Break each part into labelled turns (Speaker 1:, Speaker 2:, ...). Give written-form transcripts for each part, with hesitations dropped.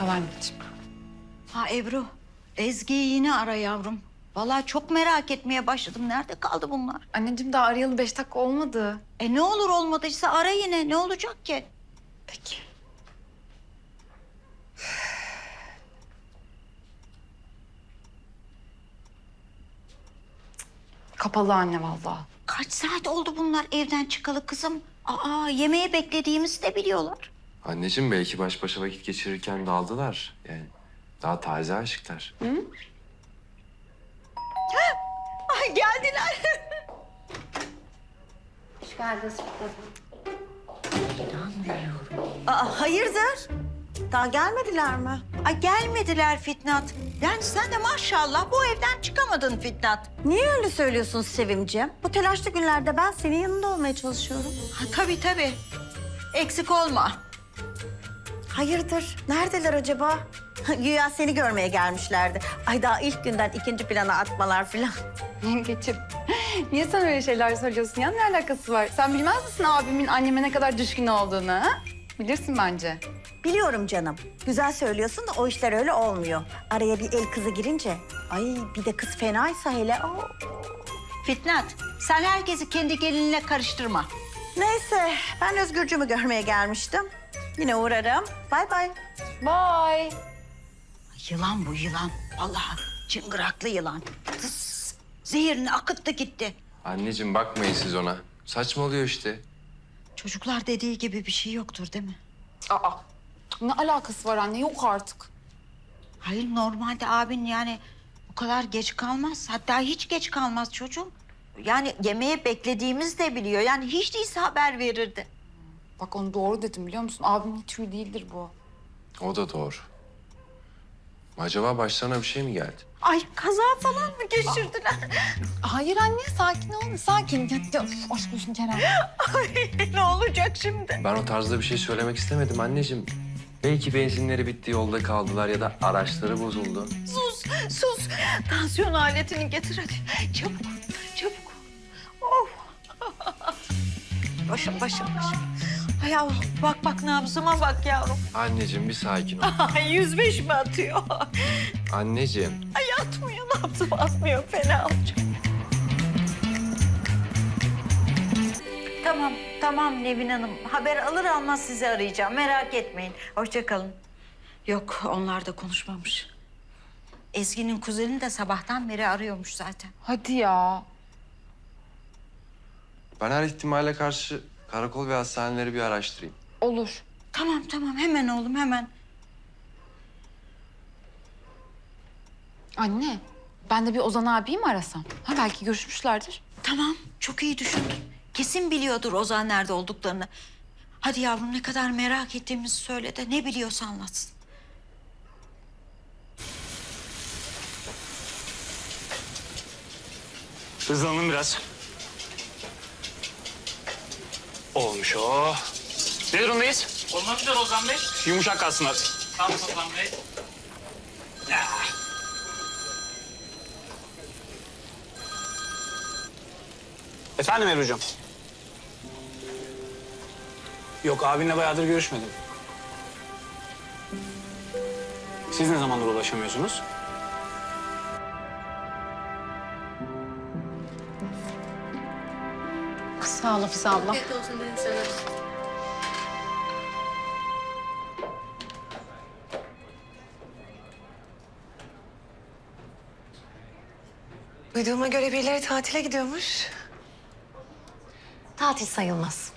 Speaker 1: Al anneciğim.
Speaker 2: Ha Ebru, Ezgi'yi yine ara yavrum. Vallahi çok merak etmeye başladım. Nerede kaldı bunlar?
Speaker 1: Anneciğim daha arayalı 5 dakika olmadı.
Speaker 2: Ne olur olmadıysa ara yine. Ne olacak ki?
Speaker 1: Peki. Kapalı anne vallahi.
Speaker 2: Kaç saat oldu bunlar evden çıkalı kızım? Yemeği beklediğimizi de biliyorlar.
Speaker 3: Anneciğim belki baş başa vakit geçirirken daldılar. Yani daha taze aşıklar.
Speaker 2: Ay geldiler.
Speaker 4: Hoş geldiniz.
Speaker 2: Hayırdır?
Speaker 4: Daha gelmediler mi?
Speaker 2: Ay gelmediler Fitnat. Yani sen de maşallah bu evden çıkamadın Fitnat.
Speaker 4: Niye öyle söylüyorsun Sevimciğim? Bu telaşlı günlerde ben senin yanında olmaya çalışıyorum.
Speaker 2: Tabii. Eksik olma.
Speaker 4: Hayırdır? Neredeler acaba? Güya seni görmeye gelmişlerdi. Ay daha ilk günden ikinci plana atmalar falan.
Speaker 1: Yengeciğim, niye sen öyle şeyler söylüyorsun ya? Ne alakası var? Sen bilmez misin abimin anneme ne kadar düşkün olduğunu? Ha? Bilirsin bence.
Speaker 4: Biliyorum canım. Güzel söylüyorsun da o işler öyle olmuyor. Araya bir el kızı girince. Ay bir de kız fenaysa hele.
Speaker 2: Fitnat, sen herkesi kendi gelinine karıştırma.
Speaker 4: Neyse ben Özgürcüğümü görmeye gelmiştim. Yine uğrarım. Bay bay.
Speaker 1: Bye.
Speaker 2: Yılan bu yılan. Vallahi çıngıraklı yılan. Tıs, zehirini akıttı gitti.
Speaker 3: Anneciğim bakmayın siz ona. Saçmalıyor işte.
Speaker 2: Çocuklar dediği gibi bir şey yoktur değil mi?
Speaker 1: Aa, ne alakası var anne? Yok artık.
Speaker 2: Hayır normalde abin yani bu kadar geç kalmaz. Hatta hiç geç kalmaz çocuğum. Yani yemeğe beklediğimiz de biliyor. Yani hiç değilse haber verirdi.
Speaker 1: Bak onu doğru dedim biliyor musun? Abimin hiç huyu değildir bu.
Speaker 3: O da doğru. Acaba başlarına bir şey mi geldi?
Speaker 2: Ay kaza falan mı geçirdiler?
Speaker 1: Hayır anne sakin ol. Sakin. Ya, aşk olsun Kerem.
Speaker 2: Ay ne olacak şimdi?
Speaker 3: Ben o tarzda bir şey söylemek istemedim anneciğim. Belki benzinleri bitti, yolda kaldılar ya da araçları bozuldu.
Speaker 2: Sus. Tansiyon aletini getir hadi. Çabuk. Oh. Başım. Ay yavrum bak nabzıma bak yavrum.
Speaker 3: Anneciğim bir sakin ol.
Speaker 2: Ay 105 mi atıyor?
Speaker 3: Anneciğim.
Speaker 2: Ay atmıyor nabzım atmıyor fena olacak. Tamam Nevin Hanım. Haber alır almaz sizi arayacağım. Merak etmeyin. Hoşça kalın. Yok onlar da konuşmamış. Ezgi'nin kuzeni de sabahtan beri arıyormuş zaten.
Speaker 1: Hadi ya.
Speaker 3: Ben her ihtimale karşı karakol ve hastaneleri bir araştırayım.
Speaker 1: Olur.
Speaker 2: Tamam hemen oğlum hemen.
Speaker 1: Anne, ben de bir Ozan abiyi mi arasam? Ha belki görüşmüşlerdir.
Speaker 2: Tamam çok iyi düşündün. Kesin biliyordur Ozan nerede olduklarını. Hadi yavrum ne kadar merak ettiğimizi söyle de ne biliyorsa anlatsın.
Speaker 5: Hızlanın biraz. Olmuş o. Ne durumdayız?
Speaker 6: Olmak üzere Ozan Bey.
Speaker 5: Yumuşak kalsınlar.
Speaker 6: Tamam Ozan Bey.
Speaker 5: Ya. Efendim Ebru Hocam? Yok abinle bayağıdır görüşmedim. Siz ne zamandır ulaşamıyorsunuz?
Speaker 1: Sağ ol Hafize abla.
Speaker 7: Duyduğuma göre birileri tatile gidiyormuş.
Speaker 8: Tatil sayılmaz.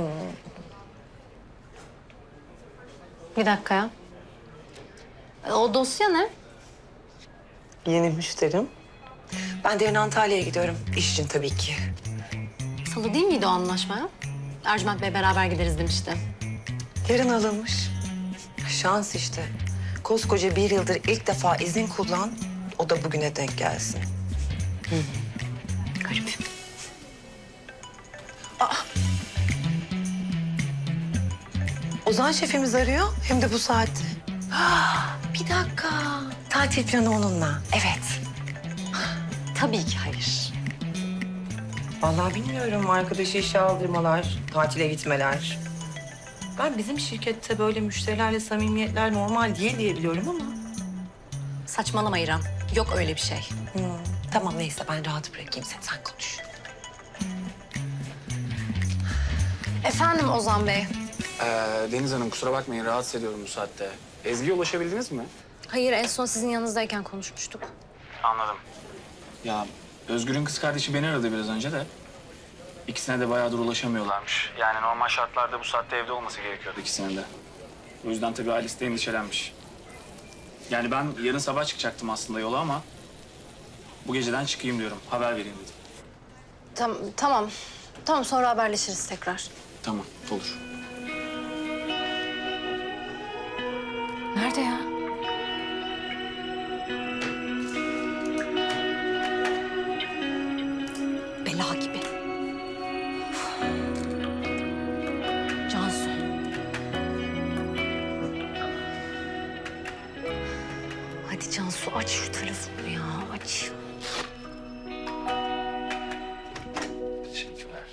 Speaker 8: Bir dakika ya. O dosya ne?
Speaker 7: Yeni müşterim. Ben de yarın Antalya'ya gidiyorum. İş için tabii ki.
Speaker 8: Salı değil miydi o anlaşma ya? Ercüment Bey beraber gideriz demişti.
Speaker 7: Yarın alınmış. Şans işte. Koskoca bir yıldır ilk defa izin kullan. O da bugüne denk gelsin.
Speaker 8: Garip.
Speaker 7: Ozan şefimiz arıyor. Hem de bu saatte. Bir dakika. Tatil planı onunla. Evet.
Speaker 8: Tabii ki hayır.
Speaker 7: Vallahi bilmiyorum. Arkadaşı işe aldırmalar, tatile gitmeler. Ben bizim şirkette böyle müşterilerle samimiyetler normal değil diye biliyorum ama.
Speaker 8: Saçmalama İrem. Yok öyle bir şey.
Speaker 7: Tamam neyse ben rahat bırakayım seni, sen konuş.
Speaker 8: Efendim Ozan Bey.
Speaker 5: Deniz Hanım kusura bakmayın rahatsız ediyorum bu saatte. Ezgi'ye ulaşabildiniz mi?
Speaker 8: Hayır, en son sizin yanınızdayken konuşmuştuk.
Speaker 5: Anladım. Ya Özgür'ün kız kardeşi beni aradı biraz önce de. İkisine de bayağıdır ulaşamıyorlarmış. Yani normal şartlarda bu saatte evde olması gerekiyordu ikisinin de. O yüzden tabii ailesi de endişelenmiş. Yani ben yarın sabah çıkacaktım aslında yola ama... ...bu geceden çıkayım diyorum. Haber vereyim dedim.
Speaker 8: Tamam. Tamam, sonra haberleşiriz tekrar.
Speaker 5: Tamam, olur.
Speaker 8: Nerede ya?
Speaker 2: Bela gibi. Cansu.
Speaker 8: Hadi Cansu, aç şu telefonu ya, aç.
Speaker 3: Teşekkürler.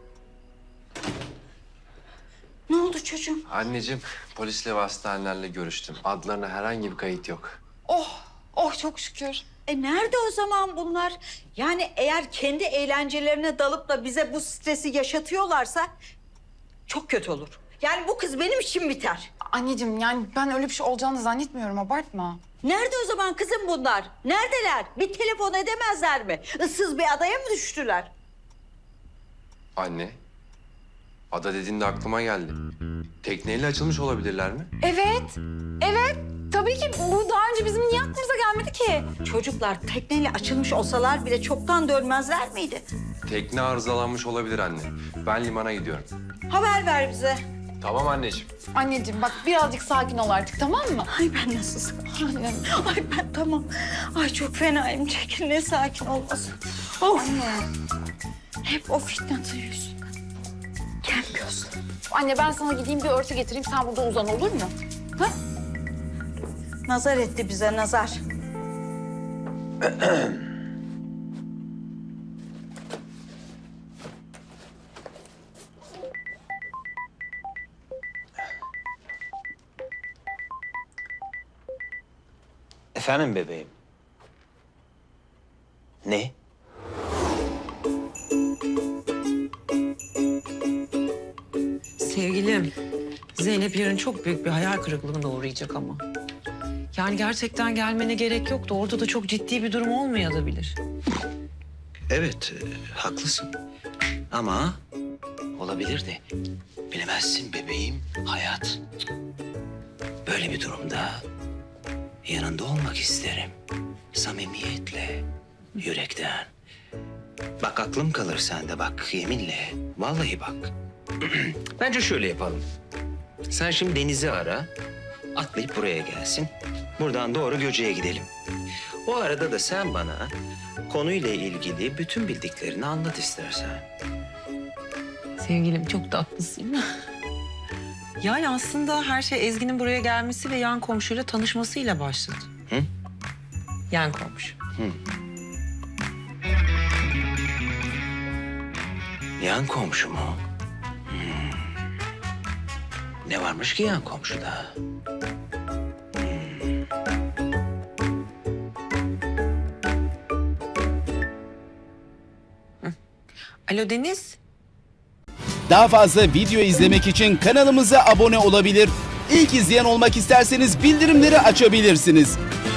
Speaker 2: Ne oldu çocuğum?
Speaker 3: Anneciğim, polisle ve hastanelerle görüştüm. Adlarına herhangi bir kayıt yok.
Speaker 1: Oh çok şükür.
Speaker 2: Nerede o zaman bunlar? Yani eğer kendi eğlencelerine dalıp da bize bu stresi yaşatıyorlarsa çok kötü olur. Yani bu kız benim için biter.
Speaker 1: Anneciğim yani ben öyle bir şey olacağını zannetmiyorum, abartma.
Speaker 2: Nerede o zaman kızım bunlar? Neredeler? Bir telefon edemezler mi? Issız bir adaya mı düştüler?
Speaker 3: Anne, ada dediğinde aklıma geldi. Tekneyle açılmış olabilirler mi?
Speaker 1: Evet. Tabii ki bu daha önce bizim niye aklımıza gelmedi ki?
Speaker 2: Çocuklar tekneyle açılmış olsalar bile çoktan dönmezler miydi?
Speaker 3: Tekne arızalanmış olabilir anne. Ben limana gidiyorum.
Speaker 2: Haber ver bize.
Speaker 3: Tamam anneciğim.
Speaker 1: Anneciğim bak birazcık sakin ol artık, tamam mı?
Speaker 2: Ay ben nasıl sakin? Ay ben tamam. Ay çok fenayım. Çekil ne sakin olmasın. Of.
Speaker 1: Anne.
Speaker 2: Hep o fitnatın yüzünden. Gelmiyorsun.
Speaker 1: Anne ben sana gideyim bir örtü getireyim, sen burada uzan, olur mu? Ha?
Speaker 2: Nazar etti bize nazar.
Speaker 9: Efendim bebeğim? Ne?
Speaker 7: Sevgilim, Zeynep yarın çok büyük bir hayal kırıklığına uğrayacak ama. Yani gerçekten gelmene gerek yoktu. Orada da çok ciddi bir durum olmayabilir.
Speaker 9: Evet, haklısın. Ama olabilir de. Bilemezsin bebeğim, hayat. Böyle bir durumda yanında olmak isterim. Samimiyetle, yürekten. Bak aklım kalır sende bak, yeminle. Vallahi bak. Bence şöyle yapalım. Sen şimdi Deniz'i ara, atlayıp buraya gelsin. Buradan doğru Göce'ye gidelim. O arada da sen bana konuyla ilgili bütün bildiklerini anlat istersen.
Speaker 7: Sevgilim çok tatlısın. Yani aslında her şey Ezgi'nin buraya gelmesi ve yan komşuyla tanışmasıyla başladı.
Speaker 9: Hı?
Speaker 7: Yan komşu.
Speaker 9: Yan komşu mu? Ne varmış ki yan komşuda?
Speaker 7: Alo Deniz.
Speaker 10: Daha fazla video izlemek için kanalımıza abone olabilir. İlk izleyen olmak isterseniz bildirimleri açabilirsiniz.